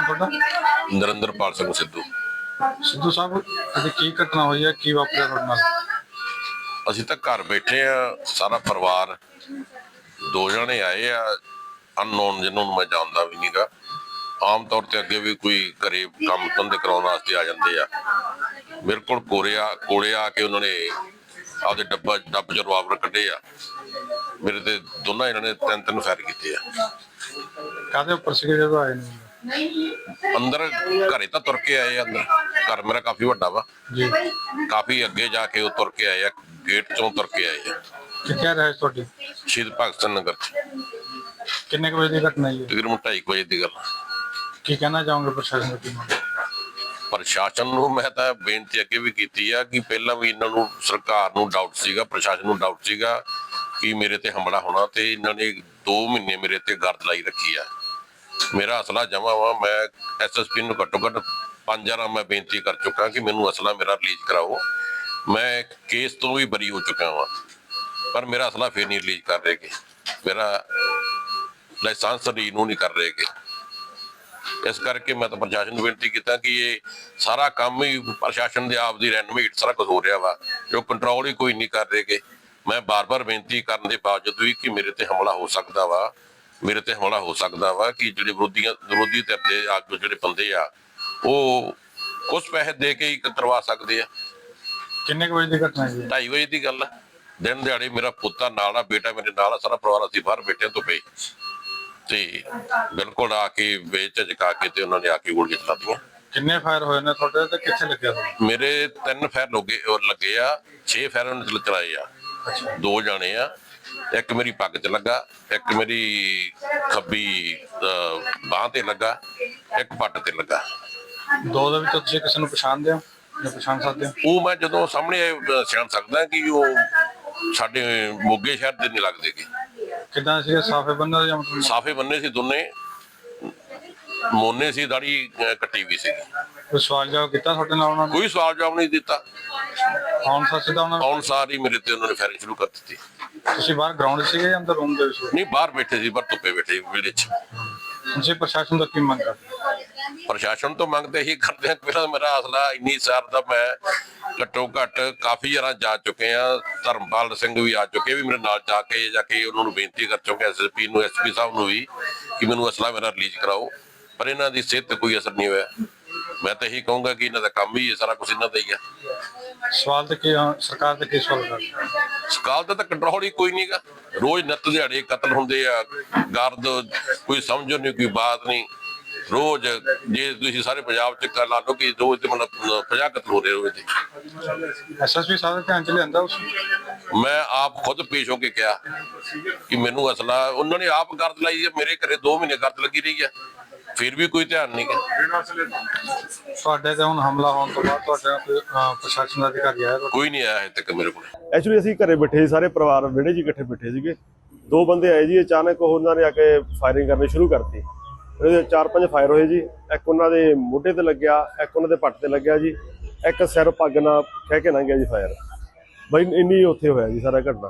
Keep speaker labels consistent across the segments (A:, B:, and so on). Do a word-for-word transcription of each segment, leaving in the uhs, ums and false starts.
A: ਤੁਹਾਡਾ?
B: ਨਰਿੰਦਰਪਾਲ ਸਿੰਘ ਸਿੱਧੂ।
A: ਸਿੱਧੂ ਸਾਹਿਬ, ਅੱਜ ਕੀ ਘਟਨਾ ਹੋਈ ਹੈ, ਕੀ ਵਾਪਰਿਆ ਤੁਹਾਡੇ ਨਾਲ?
B: ਅਸੀਂ ਤਾਂ ਘਰ ਬੈਠੇ ਆ, ਸਾਰਾ ਪਰਿਵਾਰ। ਦੋ ਜਣੇ ਆਏ ਆ ਅਨਨੋਨ, ਜਿਹਨਾਂ ਨੂੰ ਮੈਂ ਜਾਣਦਾ ਵੀ ਨਹੀਂਗਾ। ਆਮ ਤੌਰ ਤੇ ਅੱਗੇ ਵੀ ਕੋਈ ਘਰੇ ਕੰਮ ਧੰਦੇ ਕਰਾਉਣ ਵਾਸਤੇ ਆ ਜਾਂਦੇ ਆ। ਮੇਰੇ ਕੋਲ ਕੋਲੇ ਆ ਕੋਲੇ ਆ ਕੇ ਉਹਨਾਂ ਨੇ ਆਪਦੇ ਡੱਬਾ ਡੱਬ ਚ ਰਿਵਾਲਵਰ ਕੱਢੇ ਆ। ਮੇਰੇ ਤੇ ਦੋਨਾਂ ਇਹਨਾਂ ਨੇ ਤਿੰਨ ਤਿੰਨ ਫਾਇਰ ਕੀਤੇ ਆ।
A: ਕਾਹਦੇ ਉੱਪਰ ਸੀਗੇ ਜਦੋਂ ਆਏ ਨੇ?
B: ਅੰਦਰ ਘਰੇ ਤਾਂ ਤੁਰ ਕੇ ਆਏ ਆ। ਅੰਦਰ ਘਰ ਮੇਰਾ ਕਾਫੀ ਵੱਡਾ ਵਾ
A: ਜੀ।
B: ਕਾਫੀ ਅੱਗੇ ਜਾ ਕੇ ਉਹ ਤੁਰ ਕੇ ਆਏ ਆ, ਗੇਟ ਚੋਂ ਤੁਰ ਕੇ ਆਏ ਆ।
A: ਕਿੱਥੇ ਰਹਿ ਤੁਹਾਡੀ?
B: ਸ਼ਹੀਦ ਭਗਤ ਸਿੰਘ ਨਗਰ ਚ।
A: ਕਿੰਨੇ ਕੁ ਵਜੇ ਦੀ ਘਟਨਾ ਹੈ?
B: ਤਕਰੀਬਨ ਢਾਈ ਕੁ ਵਜੇ ਦੀ ਗੱਲ।
A: ਕੀ ਕਹਿਣਾ ਚਾਹੋਗੇ ਪ੍ਰਸ਼ਾਸਨ ਨੂੰ? ਕੀ
B: ਪ੍ਰਸ਼ਾਸਨ ਨੂੰ ਮੈਂ ਤਾਂ ਬੇਨਤੀ ਅੱਗੇ ਵੀ ਕੀਤੀ ਆ ਕਿ ਪਹਿਲਾਂ ਵੀ ਇਹਨਾਂ ਨੂੰ, ਸਰਕਾਰ ਨੂੰ ਡਾਊਟ ਸੀਗਾ, ਪ੍ਰਸ਼ਾਸਨ ਨੂੰ ਡਾਊਟ ਸੀਗਾ ਕਿ ਮੇਰੇ ਤੇ ਹਮਲਾ ਹੋਣਾ, ਤੇ ਇਹਨਾਂ ਨੇ ਦੋ ਮਹੀਨੇ ਮੇਰੇ ਤੇ ਗਰਦ ਲਾਈ ਰੱਖੀ ਆ। ਮੇਰਾ ਅਸਲਾ ਜਮਾ ਵਾ। ਮੈਂ ਐਸ ਐਸ ਪੀ ਨੂੰ ਘੱਟੋ ਘੱਟ ਪੰਜ ਵਾਰ ਮੈਂ ਬੇਨਤੀ ਕਰ ਚੁੱਕਾ ਕਿ ਮੈਨੂੰ ਅਸਲਾ ਮੇਰਾ ਰਿਲੀਜ਼ ਕਰਾਓ। ਮੈਂ ਕੇਸ ਤੋਂ ਵੀ ਬਰੀ ਹੋ ਚੁੱਕਾ ਵਾਂ, ਪਰ ਮੇਰਾ ਅਸਲਾ ਫੇਰ ਨਹੀਂ ਰਿਲੀਜ਼ ਕਰ ਰਹੇਗੇ। ਮੇਰਾ ਲਾਇਸੈਂਸ ਰੀਨਿਊ ਨਹੀਂ ਕਰ ਰਹੇਗੇ। ਇਸ ਕਰਕੇ ਮੈਂ ਤਾਂ ਪ੍ਰਸ਼ਾਸਨ ਨੂੰ ਬੇਨਤੀ ਕੀਤਾ ਕਿ ਇਹ ਸਾਰਾ ਕੰਮ ਹੀ ਪ੍ਰਸ਼ਾਸਨ ਦੇ ਆਪ ਦੀ ਰੈਨੋਵੇਟ ਸਾਰਾ ਕੁਝ ਹੋ ਰਿਹਾ ਵਾ, ਜੋ ਕੰਟਰੋਲ ਹੀ ਕੋਈ ਨਹੀਂ ਕਰ ਰਹੇਗੇ। ਮੈਂ ਬਾਰ-ਬਾਰ ਬੇਨਤੀ ਕਰਨ ਦੇ ਬਾਵਜੂਦ ਵੀ ਕਿ ਮੇਰੇ ਤੇ ਹਮਲਾ ਹੋ ਸਕਦਾ ਵਾ, ਮੇਰੇ ਤੇ ਹਮਲਾ ਹੋ ਸਕਦਾ ਵਾ ਕਿ ਜਿਹੜੇ ਵਿਰੋਧੀਆਂ ਵਿਰੋਧੀ ਧਿਰ ਦੇ ਆਗੂ ਜਿਹੜੇ ਬੰਦੇ ਆ, ਉਹ ਕੁਝ ਪੈਸੇ ਦੇ ਕੇ ਹੀ ਕਰਵਾ ਸਕਦੇ ਆ।
A: ਕਿੰਨੇ ਕੁ ਵਜੇ ਦੀ ਘਟਨਾ ਹੈ?
B: ਢਾਈ ਵਜੇ ਦੀ ਗੱਲ ਆ। ਦਿਨ ਦਿਹਾੜੇ ਮੇਰਾ ਪੁੱਤਾਂ ਨਾਲ ਆ, ਬੇਟਾ ਮੇਰੇ ਨਾਲ ਆ, ਸਾਰਾ ਪਰਿਵਾਰ ਅਸੀਂ ਬਾਹਰ ਬੈਠੇ ਤੋਂ ਪਏ ਤੇ ਬਿਲਕੁਲ ਆ ਕੇ ਵੇਚ ਝਜਕਾ ਕੇ ਤੇ ਉਹਨਾਂ ਨੇ ਆ ਕੇ ਗੋਲੀਆਂ ਚਲਾਤੀਆਂ।
A: ਕਿੰਨੇ ਫਾਇਰ ਹੋਏ ਨੇ ਤੁਹਾਡੇ ਤੇ? ਕਿੱਥੇ ਲੱਗਿਆ?
B: ਮੇਰੇ ਤਿੰਨ ਫਾਇਰ ਲੱਗੇ ਲੱਗੇ ਆ, ਛੇ ਫਾਇਰ ਉਹਨੇ ਚਲਾਏ ਆ। ਦੋ ਜਾਣੇ ਆ, ਇੱਕ ਮੇਰੀ ਪੱਗ 'ਚ ਲੱਗਾ, ਇੱਕ ਮੇਰੀ ਖੱਬੀ ਬਾਂਹ ਤੇ ਲੱਗਾ, ਇੱਕ ਪੱਟ ਤੇ ਲੱਗਾ।
A: ਦੋ ਦੇ ਵਿੱਚੋਂ ਤੁਸੀਂ ਕਿਸੇ ਨੂੰ ਪਛਾਣਦੇ ਹੋ ਜਾਂ ਪਛਾਣ ਸਕਦੇ ਹੋ?
B: ਉਹ ਮੈਂ ਜਦੋਂ ਸਾਹਮਣੇ ਪਛਾਣ ਸਕਦਾ ਕਿ ਉਹ ਸਾਡੇ ਮੋਗੇ ਸ਼ਹਿਰ ਦੇ ਨਹੀਂ ਲੱਗਦੇ ਗੇ।
A: ਕਿੱਦਾਂ ਸੀ? ਸਾਫੇ ਬੰਨੇ ਜਾਂ ਮਤਲਬ?
B: ਸਾਫੇ ਬੰਨੇ ਸੀ ਦੋਨੇ, ਮੋਨੇ ਸੀ, ਦਾੜੀ ਕੱਟੀ ਵੀ ਸੀ।
A: ਕੋਈ ਸਵਾਲ ਜਵਾਬ ਕੀਤਾ ਤੁਹਾਡੇ ਨਾਲ ਉਹਨਾਂ ਨੇ?
B: ਕੋਈ ਸਵਾਲ ਜਵਾਬ ਨਹੀਂ ਦਿੱਤਾ।
A: ਆਉਣ ਸਾਰ ਸਿੱਧਾ ਉਹਨਾਂ
B: ਆਉਣ ਸਾਰ ਹੀ ਮੇਰੇ ਤੇ ਉਹਨਾਂ ਨੇ ਫਾਇਰਿੰਗ ਸ਼ੁਰੂ ਕਰ ਦਿੱਤੀ।
A: ਤੁਸੀਂ ਬਾਹਰ ਗਰਾਊਂਡ ਸੀਗੇ ਜਾਂ ਅੰਦਰ ਰੂਮ ਦੇ ਵਿੱਚ?
B: ਨਹੀਂ, ਬਾਹਰ ਬੈਠੇ ਸੀ, ਪਰ ਧੁੱਪੇ ਬੈਠੇ ਵਿਹੜੇ 'ਚ।
A: ਤੁਸੀਂ ਪ੍ਰਸ਼ਾਸਨ ਤੋਂ ਕੀ ਮੰਗ ਕਰਦੇ?
B: ਪ੍ਰਸ਼ਾਸਨ ਤੋਂ ਮੰਗਦੇ ਹੀ ਕਰਦੇ ਆ। ਪਹਿਲਾਂ ਮੇਰਾ ਅਸਲਾ ਇੰਨੀ ਸਾਰ ਦਾ ਮੈਂ ਘੱਟੋ ਘੱਟ ਕਾਫੀ ਜਰਾ ਜਾ ਚੁੱਕੇ ਆ। ਧਰਮਪਾਲ ਸਿੰਘ ਵੀ ਆ ਚੁੱਕੇ, ਵੀ ਮੇਰੇ ਨਾਲ ਜਾ ਕੇ ਜਾ ਕੇ ਉਹਨਾਂ ਨੂੰ ਬੇਨਤੀ ਕਰ ਚੁੱਕੇ, ਐਸ ਐਸ ਪੀ ਨੂੰ, ਐਸ ਪੀ ਸਾਹਿਬ ਨੂੰ ਵੀ, ਕਿ ਮੈਨੂੰ ਅਸਲਾ ਮੇਰਾ ਰਿਲੀਜ਼ ਕਰਾਓ, ਪਰ ਇਹਨਾਂ ਦੀ ਸਿਹਤ ਤੇ ਕੋਈ ਅਸਰ ਨਹੀਂ ਹੋਇਆ। ਮੈਂ ਤਾਂ ਇਹੀ ਕਹੂੰਗਾ ਕਿ ਇਹਨਾਂ ਦਾ ਕੰਮ ਹੀ ਸਾਰਾ ਕੁਝ ਇਹਨਾਂ ਦਾ ਹੀ ਆ।
A: ਸਵਾਲ ਤੇ ਕੀ ਸਰਕਾਰ ਤੇ ਕੀ ਸਵਾਲ ਕਰਦੇ?
B: ਸਕਾਲ ਦਾ ਤਾਂ ਕੰਟਰੋਲ ਹੀ ਕੋਈ ਨਹੀਂਗਾ। ਰੋਜ਼ ਨਿੱਤ ਦਿਹਾੜੇ ਕਤਲ ਹੁੰਦੇ ਆ, ਗਰਦ ਕੋਈ ਸਮਝੋ ਨਹੀਂ, ਕੋਈ ਬਾਤ ਨਹੀਂ। ਰੋਜ਼ ਜੇ ਤੁਸੀਂ ਸਾਰੇ ਪੰਜਾਬ ਚ ਲਾ ਲਓ ਕਿ ਰੋਜ਼ ਤੇ ਮਤਲਬ ਪੰਜਾਹ ਕਤਲ ਹੋ ਰਹੇ ਰੋਜ਼ ਤੇ।
A: ਐਸ ਐਸ ਪੀ ਸਾਹਿਬ ਦੇ ਧਿਆਨ ਚ ਲਿਆਂਦਾ ਉਸ?
B: ਮੈਂ ਆਪ ਖੁਦ ਪੇਸ਼ ਹੋ ਕੇ ਕਿਹਾ ਕਿ ਮੈਨੂੰ ਅਸਲਾ, ਉਹਨਾਂ ਨੇ ਆਪ ਗਰਦ ਲਾਈ ਹੈ। ਮੇਰੇ ਘਰੇ ਦੋ ਮਹੀਨੇ ਗਰਦ ਲੱਗੀ ਰਹੀ ਹੈ, ਫਿਰ ਵੀ ਕੋਈ ਧਿਆਨ ਨਹੀਂ ਗਿਆ।
A: ਤੁਹਾਡੇ ਤੇ ਹੁਣ ਹਮਲਾ ਹੋਣ ਤੋਂ ਬਾਅਦ ਤੁਹਾਡੇ ਕੋਈ ਪ੍ਰਸ਼ਾਸਨ ਦਾ ਅਧਿਕਾਰੀ ਆਇਆ?
B: ਕੋਈ ਨਹੀਂ ਆਇਆ ਹਜੇ ਤੱਕ ਮੇਰੇ ਕੋਲ।
C: ਐਕਚੁਅਲੀ ਅਸੀਂ ਘਰੇ ਬੈਠੇ ਸੀ, ਸਾਰੇ ਪਰਿਵਾਰ ਵਿਹੜੇ 'ਚ ਇਕੱਠੇ ਬੈਠੇ ਸੀਗੇ। ਦੋ ਬੰਦੇ ਆਏ ਜੀ, ਅਚਾਨਕ ਉਹਨਾਂ ਨੇ ਆ ਕੇ ਫਾਇਰਿੰਗ ਕਰਨੀ ਸ਼ੁਰੂ ਕਰਤੀ। ਉਹਦੇ ਚਾਰ ਪੰਜ ਫਾਇਰ ਹੋਏ ਜੀ। ਇੱਕ ਉਹਨਾਂ ਦੇ ਮੋਢੇ ਤੇ ਲੱਗਿਆ, ਇੱਕ ਉਹਨਾਂ ਦੇ ਪੱਟ ਤੇ ਲੱਗਿਆ ਜੀ, ਇੱਕ ਸਿਰ ਪੱਗ ਨਾਲ ਖਹਿ ਕੇ ਲੰਘ ਗਿਆ ਜੀ ਫਾਇਰ। ਬਈ ਇੰਨੀ ਉੱਥੇ ਹੋਇਆ ਜੀ ਸਾਰਾ ਘਟਨਾ।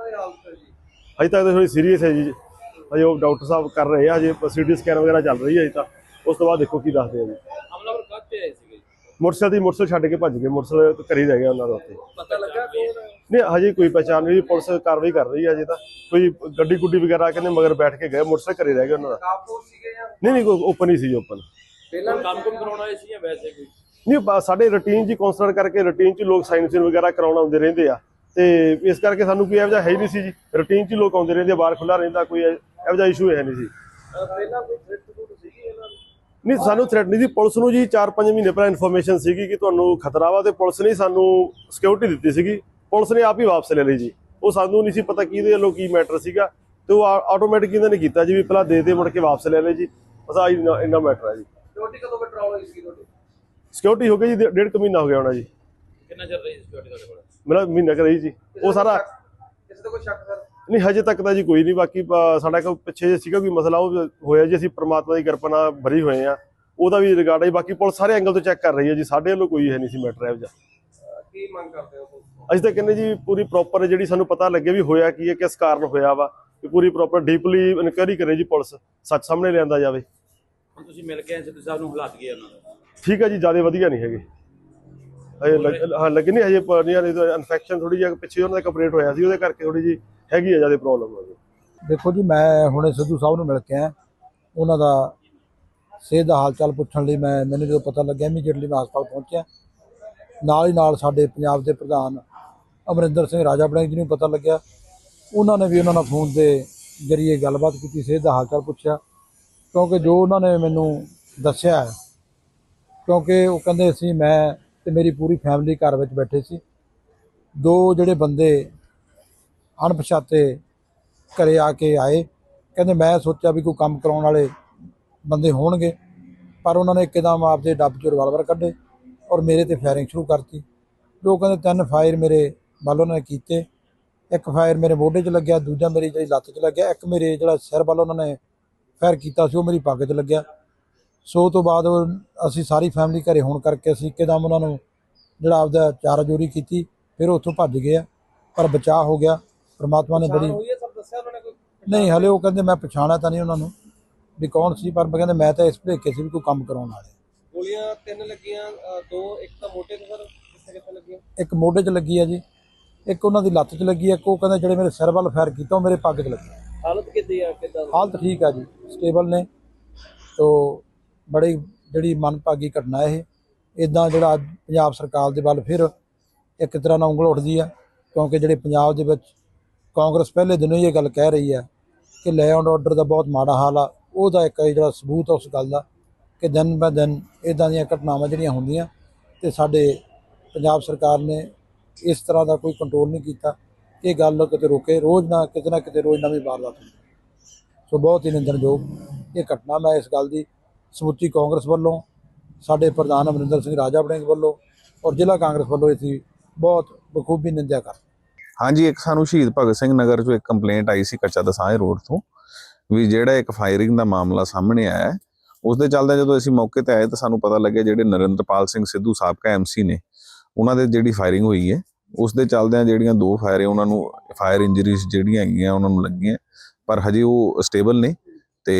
C: ਅਜੇ ਤੱਕ ਤਾਂ ਥੋੜੀ ਸੀਰੀਅਸ ਹੈ ਜੀ। ਅਜੇ ਉਹ ਡਾਕਟਰ ਸਾਹਿਬ ਕਰ ਰਹੇ ਆ, ਹਜੇ ਸੀ ਟੀ ਸਕੈਨ ਵਗੈਰਾ ਚੱਲ ਰਹੀ ਹੈ ਅਜੇ ਤਾਂ। ਉਸ ਤੋਂ ਬਾਅਦ ਦੇਖੋ ਕੀ ਦੱਸਦੇ ਆ ਜੀ।
D: ਹਮਲਾਵਰ ਕਾਹਤੇ ਆਏ ਸੀਗੇ?
C: ਮੋਟਰਸਾਈਕਲ ਦੀ ਮੋਟਰਸਾਈਕਲ ਛੱਡ ਕੇ ਭੱਜ ਗਏ। ਮੋਟਰਸਾਈਕਲ ਘਰੇ ਰਹਿ ਗਿਆ ਉਹਨਾਂ ਦਾ ਉੱਥੇ।
D: ਪਤਾ ਲੱਗਾ ਕੌਣ?
C: ਨਹੀਂ, ਹਜੇ ਕੋਈ ਪਛਾਣ ਨਹੀਂ। ਪੁਲਿਸ ਕਾਰਵਾਈ ਕਰ ਰਹੀ ਹੈ ਅਜੇ ਤਾਂ। ਕੋਈ ਗੱਡੀ ਗੁੱਡੀ ਵਗੈਰਾ ਕਹਿੰਦੇ ਮਗਰ ਬੈਠ ਕੇ ਗਏ, ਮੋਟਰਸਾਈਕਲ ਘਰੇ ਰਹਿ ਗਿਆ ਉਹਨਾਂ ਦਾ।
D: ਕਾਪੂਰ ਸੀਗੇ ਜਾਂ
C: ਨਹੀਂ ਨਹੀਂ, ਕੋਈ ਓਪਨ ਹੀ ਸੀ। ਓਪਨ
D: ਪਹਿਲਾਂ ਕੰਮ ਕੰਮ ਕਰਾਉਣਾ ਆਏ ਸੀ ਜਾਂ ਵੈਸੇ ਕੋਈ?
C: ਨਹੀਂ, ਸਾਡੇ ਰੂਟੀਨ 'ਚ ਕਾਉਂਸਲਰ ਕਰਕੇ ਰੂਟੀਨ 'ਚ ਲੋਕ ਸਾਈਨ ਸੀਨ ਵਗੈਰਾ ਕਰਾਉਣ ਆਉਂਦੇ ਰਹਿੰਦੇ ਆ, ਤੇ ਇਸ ਕਰਕੇ ਸਾਨੂੰ ਕੋਈ ਇਹੋ ਜਿਹਾ ਹੈ ਹੀ ਨਹੀਂ ਸੀ ਜੀ। ਰੂਟੀਨ 'ਚ ਲੋਕ ਆਉਂਦੇ ਰਹਿੰਦੇ, ਬਾਹਰ ਖੁੱਲ੍ਹਾ ਰਹਿੰਦਾ, ਕੋਈ ਇਹੋ ਜਿਹਾ ਇਸ਼ੂ ਹੈ ਨਹੀਂ ਸੀ।
D: ਪਹਿਲਾਂ ਕੋਈ ਥ੍ਰੈਟ ਥ੍ਰੂਟ ਸੀਗੀ ਇਹਨਾਂ ਨੂੰ?
C: ਨਹੀਂ, ਸਾਨੂੰ ਥ੍ਰੈਟ ਨਹੀਂ ਸੀ। ਪੁਲਿਸ ਨੂੰ ਜੀ ਚਾਰ ਪੰਜ ਮਹੀਨੇ ਪਹਿਲਾਂ ਇਨਫੋਰਮੇਸ਼ਨ ਸੀਗੀ ਕਿ ਤੁਹਾਨੂੰ ਖਤਰਾ ਵਾ, ਤੇ ਪੁਲਿਸ ਨੇ ਸਾਨੂੰ ਸਿਕਿਉਰਿਟੀ ਦਿੱਤੀ ਸੀਗੀ। ਪੁਲਿਸ ਨੇ ਆਪ ਹੀ ਵਾਪਸ ਲੈ ਲਈ ਜੀ। ਉਹ ਸਾਨੂੰ ਨਹੀਂ ਸੀ ਪਤਾ ਕਿਹਦੇ ਵੱਲੋਂ ਕੀ ਮੈਟਰ ਸੀਗਾ, ਤੇ ਉਹ ਆਟੋਮੈਟਿਕ ਇਹਨਾਂ ਨੇ ਕੀਤਾ ਜੀ, ਵੀ ਪਹਿਲਾਂ ਦੇ ਦੇ ਮੁੜ ਕੇ ਵਾਪਸ ਲੈ ਲਏ ਜੀ। ਬਸ ਆਹ ਇੰਨਾ ਮੈਟਰ ਹੈ ਜੀ।
D: ਸਿਕਿਉਰਿਟੀ ਕਦੋਂ ਪੈਟਰੋਲ ਹੋਈ ਸੀ ਤੁਹਾਡੀ?
C: ਸਿਕਿਉਰਿਟੀ ਹੋ ਗਈ ਜੀ, ਡੇਢ ਕੁ ਮਹੀਨਾ ਹੋ ਗਿਆ ਹੋਣਾ ਜੀ।
D: ਕਿੰਨਾ ਚਿਰ ਰਹੀ ਸਿਕਿਉਰਿਟੀ ਤੁਹਾਡੇ ਕੋਲ?
C: ਮੇਰਾ ਮਹੀਨਾ ਕੁ ਰਹੀ ਜੀ। ਉਹ ਸਾਰਾ
D: ਕਿਸੇ ਦਾ ਕੋਈ ਸ਼ੱਕ ਸਰ?
C: ਨਹੀਂ, ਹਜੇ ਤੱਕ ਤਾਂ ਜੀ ਕੋਈ ਨਹੀਂ। ਬਾਕੀ ਸਾਡਾ ਕੋਈ ਪਿੱਛੇ ਸੀਗਾ ਕੋਈ ਮਸਲਾ, ਉਹ ਹੋਇਆ ਜੀ। ਅਸੀਂ ਪ੍ਰਮਾਤਮਾ ਦੀ ਕਿਰਪਾ ਨਾਲ ਬਰੀ ਹੋਏ ਆ, ਉਹਦਾ ਵੀ ਰਿਗਾਰਡ ਹੈ। ਬਾਕੀ ਪੁਲਿਸ ਸਾਰੇ ਐਂਗਲ ਤੋਂ ਚੈੱਕ ਕਰ ਰਹੀ ਹੈ ਜੀ। ਸਾਡੇ ਵੱਲੋਂ ਕੋਈ ਹੈ ਨਹੀਂ ਸੀ ਮੈਟਰ ਇਹੋ ਜਿਹਾ।
D: ਕੀ ਮੰਗ ਕਰਦੇ ਹੋ?
C: ਅਸੀਂ ਤਾਂ ਕਹਿੰਦੇ ਜੀ ਪੂਰੀ ਪ੍ਰੋਪਰ ਜਿਹੜੀ ਸਾਨੂੰ ਪਤਾ ਲੱਗੇ ਵੀ ਹੋਇਆ ਕੀ ਹੈ, ਕਿਸ ਕਾਰਨ ਹੋਇਆ ਵਾ, ਪੂਰੀ ਪ੍ਰੋਪਰ ਡੀਪਲੀ ਇਨਕੁਆਇਰੀ ਕਰੇ ਜੀ ਪੁਲਿਸ, ਸੱਚ ਸਾਹਮਣੇ ਲਿਆਂਦਾ ਜਾਵੇ।
D: ਹੁਣ ਤੁਸੀਂ ਮਿਲ ਕੇ ਸਿੱਧੂ ਸਾਹਿਬ ਨੂੰ ਹਾਲਾਤ ਗਏ ਉਹਨਾਂ ਦੇ?
C: ਠੀਕ ਹੈ ਜੀ, ਜ਼ਿਆਦਾ ਵਧੀਆ ਨਹੀਂ ਹੈਗੇ ਹਜੇ ਲੱਗ- ਹਾਂ ਲੱਗੇ ਨਹੀਂ ਹਜੇ ਪਰਨੀਆਂ ਨਹੀਂ ਤਾਂ ਇਨਫੈਕਸ਼ਨ ਥੋੜੀ ਜਿਹੀ ਪਿੱਛੇ ਉਹਨਾਂ ਦਾ ਆਪਰੇਟ ਹੋਇਆ ਸੀ, ਉਹਦੇ ਕਰਕੇ ਥੋੜੀ ਜਿਹੀ ਹੈਗੀ ਆ ਜ਼ਿਆਦਾ ਪ੍ਰੋਬਲਮ।
E: ਦੇਖੋ ਜੀ, ਮੈਂ ਹੁਣੇ ਸਿੱਧੂ ਸਾਹਿਬ ਨੂੰ ਮਿਲ ਕੇ ਆਇਆ, ਉਹਨਾਂ ਦਾ ਸਿਹਤ ਦਾ ਹਾਲ ਚਾਲ ਪੁੱਛਣ ਲਈ ਮੈਂ ਮੈਨੂੰ ਜਦੋਂ ਪਤਾ ਲੱਗਿਆ ਇਮੀਡੀਏਟਲੀ ਮੈਂ ਹਸਪਤਾਲ ਪਹੁੰਚਿਆ। ਨਾਲ ਹੀ ਨਾਲ ਸਾਡੇ ਪੰਜਾਬ ਦੇ ਪ੍ਰਧਾਨ ਅਮਰਿੰਦਰ ਸਿੰਘ ਰਾਜਾ ਵੜਿੰਗ ਜੀ ਨੂੰ ਪਤਾ ਲੱਗਿਆ, ਉਹਨਾਂ ਨੇ ਵੀ ਉਹਨਾਂ ਨਾਲ ਫੋਨ ਦੇ ਜ਼ਰੀਏ ਗੱਲਬਾਤ ਕੀਤੀ, ਸਿਹਤ ਦਾ ਹਾਲ ਚਾਲ ਪੁੱਛਿਆ। ਕਿਉਂਕਿ ਜੋ ਉਹਨਾਂ ਨੇ ਮੈਨੂੰ ਦੱਸਿਆ, ਕਿਉਂਕਿ ਉਹ ਕਹਿੰਦੇ ਸੀ ਮੈਂ ਤੇ ਮੇਰੀ ਪੂਰੀ ਫੈਮਿਲੀ ਘਰ ਵਿੱਚ ਬੈਠੇ ਸੀ, ਦੋ ਜਿਹੜੇ ਬੰਦੇ ਅਣਪਛਾਤੇ ਘਰੇ ਆ ਕੇ ਆਏ, ਕਹਿੰਦੇ ਮੈਂ ਸੋਚਿਆ ਵੀ ਕੋਈ ਕੰਮ ਕਰਾਉਣ ਵਾਲੇ ਬੰਦੇ ਹੋਣਗੇ, ਪਰ ਉਹਨਾਂ ਨੇ ਇੱਕਦਮ ਆਪਦੇ ਡੱਬ 'ਚੋਂ ਰਿਵਾਲਵਰ ਕੱਢੇ ਔਰ ਮੇਰੇ ਤੇ ਫਾਇਰਿੰਗ ਸ਼ੁਰੂ ਕਰਤੀ। ਜੋ ਕਹਿੰਦੇ ਤਿੰਨ ਫਾਇਰ ਮੇਰੇ ਵੱਲ ਉਹਨਾਂ ਨੇ ਕੀਤੇ, ਇੱਕ ਫਾਇਰ ਮੇਰੇ ਮੋਢੇ 'ਚ ਲੱਗਿਆ, ਦੂਜਾ ਮੇਰੀ ਜਿਹੜੀ ਲੱਤ 'ਚ ਲੱਗਿਆ, ਇੱਕ ਮੇਰੇ ਜਿਹੜਾ ਸਿਰ ਵੱਲ ਉਹਨਾਂ ਨੇ ਫਾਇਰ ਕੀਤਾ ਸੀ ਉਹ ਮੇਰੀ ਪੱਗ 'ਚ ਲੱਗਿਆ। ਸੋ ਤੋਂ ਬਾਅਦ ਅਸੀਂ ਸਾਰੀ ਫੈਮਿਲੀ ਘਰੇ ਹੋਣ ਕਰਕੇ ਅਸੀਂ ਇੱਕਦਮ ਉਹਨਾਂ ਨੂੰ ਜਿਹੜਾ ਆਪਦਾ ਚਾਰਾ ਜੋਰੀ ਕੀਤੀ, ਫਿਰ ਉੱਥੋਂ ਭੱਜ ਗਏ ਆ, ਪਰ ਬਚਾਅ ਹੋ ਗਿਆ। ਪਰਮਾਤਮਾ ਨੇ ਬੜੀ
D: ਹੋਈ ਹੈ ਸਭ ਦੱਸਿਆ ਉਹਨਾਂ ਨੇ ਕੋਈ?
E: ਨਹੀਂ, ਹਲੇ ਉਹ ਕਹਿੰਦੇ ਮੈਂ ਪਛਾਣਿਆ ਤਾਂ ਨਹੀਂ ਉਹਨਾਂ ਨੂੰ ਵੀ ਕੌਣ ਸੀ, ਪਰ ਕਹਿੰਦੇ ਮੈਂ ਤਾਂ ਇਸ ਭੁਲੇਖੇ ਸੀ ਵੀ ਕੋਈ ਕੰਮ ਕਰਾਉਣ ਵਾਲੇ।
D: ਗੋਲੀਆਂ ਤਿੰਨ ਲੱਗੀਆਂ, ਅ, ਦੋ ਇੱਕ ਤਾਂ ਮੋਢੇ ਤੇ ਸਰ, ਕਿੱਥੇ ਕਿੱਥੇ ਲੱਗੀਆਂ?
E: ਇੱਕ ਮੋਢੇ 'ਚ ਲੱਗੀ ਆ ਜੀ, ਇੱਕ ਉਹਨਾਂ ਦੀ ਲੱਤ 'ਚ ਲੱਗੀ ਆ, ਇੱਕ ਉਹ ਕਹਿੰਦੇ ਜਿਹੜੇ ਮੇਰੇ ਸਿਰ ਵੱਲ ਫਾਇਰ ਕੀਤਾ ਉਹ ਮੇਰੇ ਪੱਗ 'ਚ ਲੱਗੀ।
D: ਹਾਲਤ ਕਿੱਦੀ ਆ, ਕਿੱਦਾਂ?
E: ਹਾਲਤ ਠੀਕ ਆ ਜੀ, ਸਟੇਬਲ ਨੇ। ਤੋ ਬੜੀ ਜਿਹੜੀ ਮੰਦਭਾਗੀ ਘਟਨਾ ਇਹ, ਇੱਦਾਂ ਜਿਹੜਾ ਅੱਜ ਪੰਜਾਬ ਸਰਕਾਰ ਦੇ ਵੱਲ ਫਿਰ ਇੱਕ ਤਰ੍ਹਾਂ ਨਾਲ ਉਂਗਲ ਉੱਠਦੀ ਆ, ਕਿਉਂਕਿ ਜਿਹੜੇ ਪੰਜਾਬ ਦੇ ਵਿੱਚ ਕਾਂਗਰਸ ਪਹਿਲੇ ਦਿਨੋਂ ਹੀ ਇਹ ਗੱਲ ਕਹਿ ਰਹੀ ਆ ਕਿ ਲੈ ਐਂਡ ਆਰਡਰ ਦਾ ਬਹੁਤ ਮਾੜਾ ਹਾਲ ਆ, ਉਹਦਾ ਇੱਕ ਜਿਹੜਾ ਸਬੂਤ ਆ ਉਸ ਗੱਲ ਦਾ ਕਿ ਦਿਨ ਬ ਦਿਨ ਇੱਦਾਂ ਦੀਆਂ ਘਟਨਾਵਾਂ ਜਿਹੜੀਆਂ ਹੁੰਦੀਆਂ ਅਤੇ ਸਾਡੇ ਪੰਜਾਬ ਸਰਕਾਰ ਨੇ ਇਸ ਤਰ੍ਹਾਂ ਦਾ ਕੋਈ ਕੰਟਰੋਲ ਨਹੀਂ ਕੀਤਾ ਕਿ ਇਹ ਗੱਲ ਕਿਤੇ ਰੋਕੇ। ਰੋਜ਼ ਨਾ ਕਿਤੇ ਨਾ ਕਿਤੇ ਰੋਜ਼ ਨਵੀਂ ਵਾਰਦਾਤ ਹੁੰਦੀ। ਸੋ ਬਹੁਤ ਹੀ ਨਿੰਦਣਯੋਗ ਇਹ ਘਟਨਾ। ਮੈਂ ਇਸ ਗੱਲ ਦੀ ਸਮੁੱਚੀ ਕਾਂਗਰਸ ਵੱਲੋਂ, ਸਾਡੇ ਪ੍ਰਧਾਨ ਅਮਰਿੰਦਰ ਸਿੰਘ ਰਾਜਾ ਵੜਿੰਗ ਵੱਲੋਂ ਔਰ ਜ਼ਿਲ੍ਹਾ ਕਾਂਗਰਸ ਵੱਲੋਂ ਅਸੀਂ ਬਹੁਤ ਬਖੂਬੀ ਨਿੰਦਿਆ ਕਰਦੇ।
F: ਹਾਂਜੀ, ਇੱਕ ਸਾਨੂੰ ਸ਼ਹੀਦ ਭਗਤ ਸਿੰਘ ਨਗਰ ਚੋਂ ਇੱਕ ਕੰਪਲੇਂਟ ਆਈ ਸੀ ਕੱਚਾ ਦਸਾਂਝ ਰੋਡ ਤੋਂ, ਵੀ ਜਿਹੜਾ ਇੱਕ ਫਾਇਰਿੰਗ ਦਾ ਮਾਮਲਾ ਸਾਹਮਣੇ ਆਇਆ, ਉਸ ਦੇ ਚੱਲਦੇ ਜਦੋਂ ਅਸੀਂ ਮੌਕੇ ਤੇ ਆਏ ਤਾਂ ਸਾਨੂੰ ਪਤਾ ਲੱਗਿਆ ਜਿਹੜੇ ਨਰਿੰਦਰਪਾਲ ਸਿੰਘ ਸਿੱਧੂ ਸਾਬਕਾ ਐਮਸੀ ਨੇ, ਉਹਨਾਂ ਦੇ ਜਿਹੜੀ ਫਾਇਰਿੰਗ ਹੋਈ ਹੈ ਉਸ ਦੇ ਚੱਲਦਿਆਂ ਜਿਹੜੀਆਂ ਦੋ ਫਾਇਰ ਉਹਨਾਂ ਨੂੰ ਫਾਇਰ ਇੰਜਰੀਜ਼ ਜਿਹੜੀਆਂ ਹੈਗੀਆਂ ਉਹਨਾਂ ਨੂੰ ਲੱਗੀਆਂ, ਪਰ ਹਜੇ ਉਹ ਸਟੇਬਲ ਨੇ ਤੇ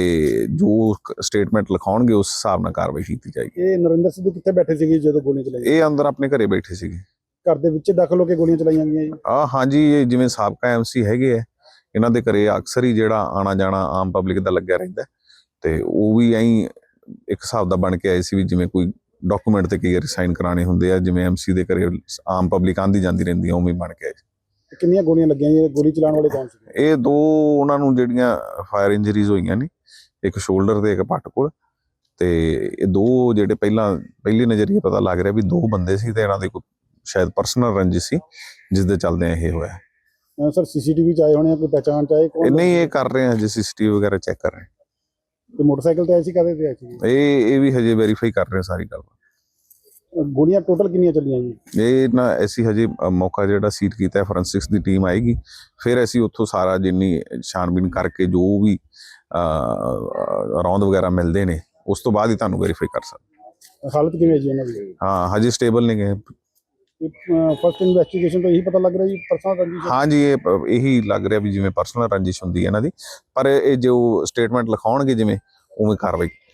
F: ਜੋ ਸਟੇਟਮੈਂਟ ਲਿਖਾਉਣਗੇ ਉਸ ਹਿਸਾਬ ਨਾਲ ਕਾਰਵਾਈ ਕੀਤੀ ਜਾਏਗੀ।
G: ਇਹ ਨਰਿੰਦਰ ਸਿੱਧੂ ਕਿੱਥੇ ਬੈਠੇ ਸੀਗੇ ਜਦੋਂ ਗੋਲੀਆਂ ਚਲਾਈਆਂ?
F: ਇਹ ਅੰਦਰ ਆਪਣੇ ਘਰੇ ਬੈਠੇ ਸੀਗੇ।
G: ਘਰ ਦੇ ਵਿੱਚ ਦਾਖਲ ਹੋ ਕੇ ਗੋਲੀਆਂ ਚਲਾਈਆਂ ਗਈਆਂ ਜੀ?
F: ਆ ਹਾਂਜੀ, ਇਹ ਜਿਵੇਂ ਸਾਬਕਾ ਐਮਸੀ ਹੈਗੇ ਆ, ਇਹਨਾਂ ਦੇ ਘਰੇ ਅਕਸਰ ਹੀ ਜਿਹੜਾ ਆਣਾ ਜਾਣਾ ਆਮ ਪਬਲਿਕ ਦਾ ਲੱਗਿਆ ਰਹਿੰਦਾ, ਤੇ ਉਹ ਵੀ ਐਂ ਇੱਕ ਹਿਸਾਬ ਦਾ ਬਣ ਕੇ ਆਏ ਸੀ ਵੀ ਜਿਵੇਂ ਕੋਈ ਡਾਕੂਮੈਂਟ ਤੇ ਕਈ ਵਾਰੀ ਸਾਈਨ ਕਰਾਣੇ ਹੁੰਦੇ ਆ, ਜਿਵੇਂ ਐਮਸੀ ਦੇ ਘਰੇ ਆਮ ਪਬਲਿਕ ਆਂਦੀ ਜਾਂਦੀ ਰਹਿੰਦੀ ਆ, ਉਵੇਂ ਬਣ ਕੇ ਆਏ।
G: ਕਿੰਨੀਆਂ ਗੋਲੀਆਂ ਲੱਗੀਆਂ ਜੀ? ਗੋਲੀ ਚਲਾਉਣ ਵਾਲੇ ਕੌਣ ਸੀ?
F: ਇਹ ਦੋ ਉਹਨਾਂ ਨੂੰ ਜਿਹੜੀਆਂ ਫਾਇਰ ਇੰਜਰੀਜ਼ ਹੋਈਆਂ ਨੇ, ਇੱਕ ਸ਼ੋਲਡਰ ਤੇ ਇੱਕ ਪੱਟ ਕੋਲ, ਤੇ ਇਹ ਦੋ ਜਿਹੜੇ ਪਹਿਲਾਂ ਪਹਿਲੀ ਨਜ਼ਰੀਏ ਪਤਾ ਲੱਗ ਰਿਹਾ ਵੀ ਦੋ ਬੰਦੇ ਸੀ ਤੇ ਇਹਨਾਂ ਦੇ ਕੋਈ ਸ਼ਾਇਦ ਪਰਸਨਲ ਰੰਜਿਸ਼ ਸੀ ਜਿਸ ਦੇ ਚੱਲਦੇ ਇਹ ਹੋਇਆ।
G: ਸਰ ਸੀਸੀਟੀਵੀ ਚ ਆਏ ਹੋਣੇ ਆ, ਕੋਈ ਪਹਿਚਾਣ ਚ ਆਏ
F: ਇਹ
G: ਕੌਣ?
F: ਨਹੀਂ, ਇਹ ਕਰ ਰਹੇ ਆ ਜੀ, ਸੀਸੀਟੀਵੀ ਵਗੈਰਾ ਚੈੱਕ ਕਰ ਰਹੇ
G: ਤੇ ਮੋਟਰਸਾਈਕਲ ਤੇ ਆਏ ਸੀ, ਕਾਹਦੇ ਤੇ ਆਏ ਸੀ?
F: ਇਹ ਇਹ ਵੀ ਹਜੇ ਵੈਰੀਫਾਈ ਕਰ ਰਹੇ ਸਾਰੀ ਗੱਲ।
G: ਗੋਲੀਆਂ ਟੋਟਲ ਕਿੰਨੀਆਂ ਚੱਲੀਆਂ ਜੀ?
F: ਇਹ ਨਾ ਅਸੀਂ ਹਜੇ ਅ, ਮੌਕਾ ਜਿਹੜਾ ਸੀਟ ਕੀਤਾ, ਫੋਰੈਂਸਿਕਸ ਦੀ ਟੀਮ ਆਏਗੀ, ਫਿਰ ਅਸੀਂ ਉੱਥੋਂ ਸਾਰਾ ਜਿੰਨੀ ਛਾਣਬੀਨ ਕਰਕੇ ਜੋ ਵੀ ਰੌਂਦ ਵਗੈਰਾ ਮਿਲਦੇ ਨੇ ਉਸ ਤੋਂ ਬਾਅਦ ਹੀ ਤੁਹਾਨੂੰ ਵੈਰੀਫਾਈ ਕਰ ਸਕਦੇ।
G: ਹਾਲਤ ਕਿਵੇਂ ਜੀ ਉਹਨਾਂ ਦੀ?
F: ਹਾਂ, ਹਜੇ ਸਟੇਬਲ ਨਹੀਂ ਗਏ।
G: ਫਸਟ ਇਨਵੈਸਟੀਗੇਸ਼ਨ ਤੋਂ ਇਹੀ ਪਤਾ ਲੱਗ ਰਿਹਾ ਜੀ ਪਰਸਨਲ ਰੰਜਿਸ਼?
F: ਹਾਂਜੀ, ਇਹ ਪ- ਇਹੀ ਲੱਗ ਰਿਹਾ ਵੀ ਜਿਵੇਂ ਪਰਸਨਲ ਰੰਜਿਸ਼ ਹੁੰਦੀ ਹੈ ਇਹਨਾਂ ਦੀ, ਪਰ ਇਹ ਜੋ ਸਟੇਟਮੈਂਟ ਲਿਖਾਉਣਗੇ ਜਿਵੇਂ ਉਵੇਂ ਕਾਰਵਾਈ